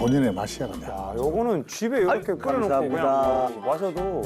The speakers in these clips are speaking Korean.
본인의 맛이야 그냥. 야, 요거는 집에 이렇게 끓여놓고 감사합니다. 그냥 마셔도.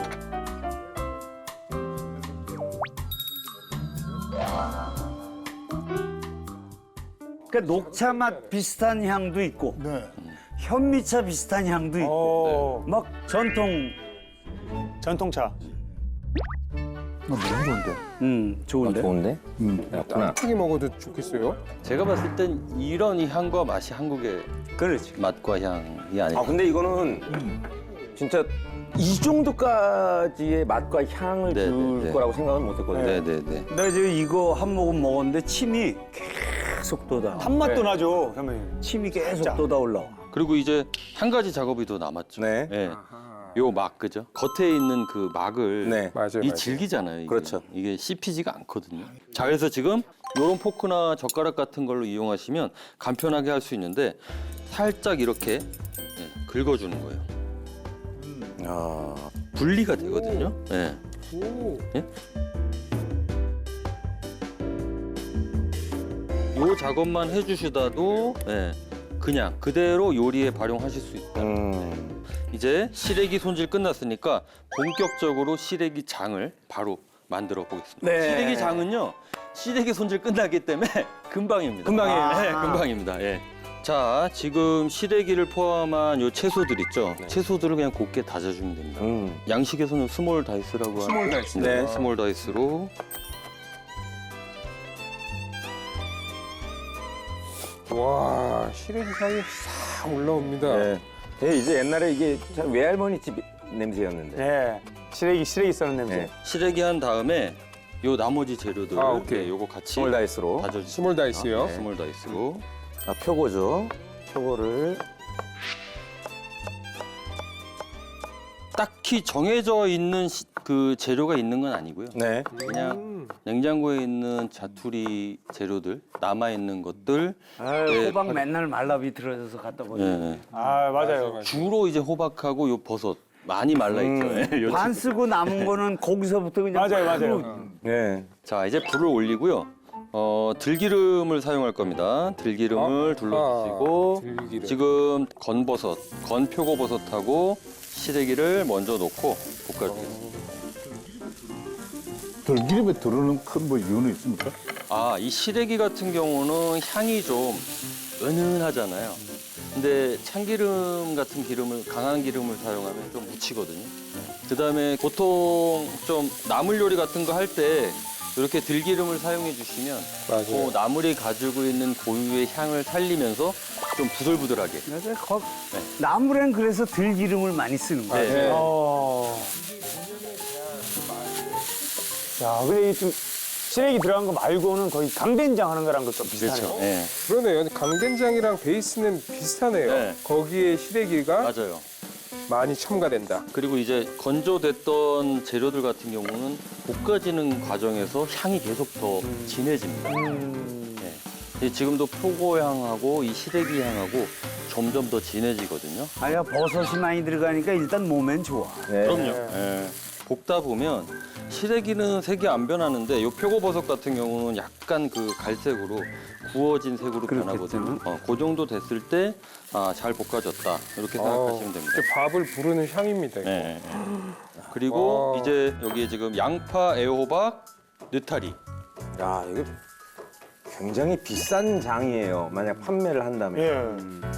그러니까 녹차 맛 비슷한 향도 있고 네. 현미차 비슷한 향도 있고 어, 막 전통 전통차. 너무 좋은데. 좋은데. 좋은데? 그렇구나. 튀기 먹어도 좋겠어요. 제가 봤을 땐 이런 이 향과 맛이 한국의 그렇지. 맛과 향이 아닐까. 아 근데 이거는 진짜 이 정도까지의 맛과 향을 네, 줄 네, 네. 거라고 생각은 못했거든요. 네네네. 나 지금 이거 한 모금 먹었는데 침이 계속 돋아. 단맛도 나죠, 선배님. 침이 계속 진짜. 돋아 올라와. 그리고 이제 한 가지 작업이 더 남았죠. 네. 예. 요 막, 그죠? 겉에 있는 그 막을 네. 맞아요, 이 맞아요. 질기잖아요. 이게. 그렇죠. 이게 씹히지가 않거든요. 자, 그래서 지금 요런 포크나 젓가락 같은 걸로 이용하시면 간편하게 할 수 있는데 살짝 이렇게 긁어주는 거예요. 아, 분리가 되거든요. 예. 예? 요 작업만 해주시다도 그냥 그대로 요리에 발용하실 수 있다. 이제 시래기 손질 끝났으니까 본격적으로 시래기 장을 바로 만들어 보겠습니다. 네. 시래기 장은요, 시래기 손질 끝나기 때문에 금방입니다. 금방이에요? 네, 금방입니다. 예. 자, 지금 시래기를 포함한 요 채소들 있죠? 채소들을 그냥 곱게 다져주면 됩니다. 양식에서는 스몰 다이스라고 하는 스몰 다이스. 네, 스몰 다이스로. 와, 시래기 향이 싹 올라옵니다. 네. 예, 이제 옛날에 이게 참 외할머니 집 냄새였는데. 예. 시래기 써는 냄새. 네. 시래기 한 다음에 요 나머지 재료들 아, 오케이. 네, 요거 같이 스몰 다이스로. 다져주세요. 스몰 다이스요. 네, 스몰 다이스로. 아, 표고죠. 표고를. 딱히 정해져 있는 그 재료가 있는 건 아니고요. 네. 그냥 냉장고에 있는 자투리 재료들, 남아 있는 것들. 네, 호박 맨날 말라 비틀어져서 갖다 버려. 예. 아, 맞아요. 주로 이제 호박하고 요 버섯 많이 말라 있죠. 요 반 쓰고 남은 거는 거기서부터 그냥 맞아요, 바로 맞아요. 네. 자, 이제 불을 올리고요. 들기름을 사용할 겁니다. 들기름을 둘러주시고 들기름. 지금 건버섯, 건표고버섯하고 시래기를 먼저 넣고 볶아주겠습니다. 들기름에 들어오는 큰 뭐 이유는 있습니까? 아, 이 시래기 같은 경우는 향이 좀 은은하잖아요. 근데 참기름 같은 기름을, 강한 기름을 사용하면 좀 묻히거든요. 그다음에 보통 좀 나물 요리 같은 거 할 때 이렇게 들기름을 사용해 주시면 맞아요. 그 나물이 가지고 있는 고유의 향을 살리면서 좀 부들부들하게. 그래서 나물엔 그래서 들기름을 많이 쓰는 거야. 네. 야, 근데 좀 시래기 들어간 거 말고는 거의 강된장 하는 거랑 좀 비슷하네요. 그렇죠. 네. 그러네요. 강된장이랑 베이스는 비슷하네요. 네. 거기에 시래기가 맞아요. 많이 첨가된다. 그리고 이제 건조됐던 재료들 같은 경우는 볶아지는 과정에서 향이 계속 더 진해집니다. 네. 근데 지금도 표고향하고 이 시래기 향하고 점점 더 진해지거든요. 아야 버섯이 많이 들어가니까 일단 몸엔 좋아. 네. 그럼요. 예. 볶다 보면 시래기는 색이 안 변하는데 요 표고버섯 같은 경우는 약간 그 갈색으로 구워진 색으로 변하거든요. 그 정도 됐을 때 잘 볶아졌다 이렇게 생각하시면 됩니다. 이제 밥을 부르는 향입니다. 이거. 네. 그리고 와. 이제 여기에 지금 양파, 애호박, 느타리. 야, 이거 굉장히 비싼 장이에요. 만약 판매를 한다면. 예.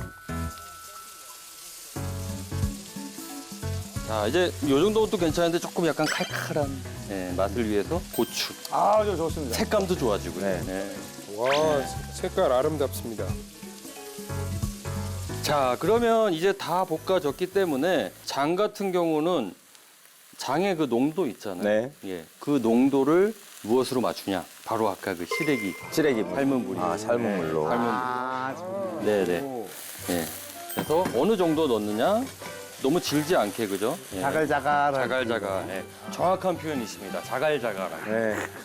자, 이제 요 정도도 괜찮은데 조금 약간 칼칼한 맛을 위해서 고추. 아, 저 좋습니다. 색감도 좋아지고요. 네. 네. 와, 색깔 아름답습니다. 자, 그러면 이제 다 볶아졌기 때문에 장 같은 경우는 장의 그 농도 있잖아요. 네. 예, 그 농도를 무엇으로 맞추냐? 바로 아까 그 시래기 시래기. 삶은 물이. 아, 삶은 물로. 삶은 물. 네네. 예. 그래서 어느 정도 넣느냐? 너무 질지 않게 그죠? 예. 자갈자갈. 자갈자갈. 예. 정확한 표현이십니다. 자갈자갈하게. 네.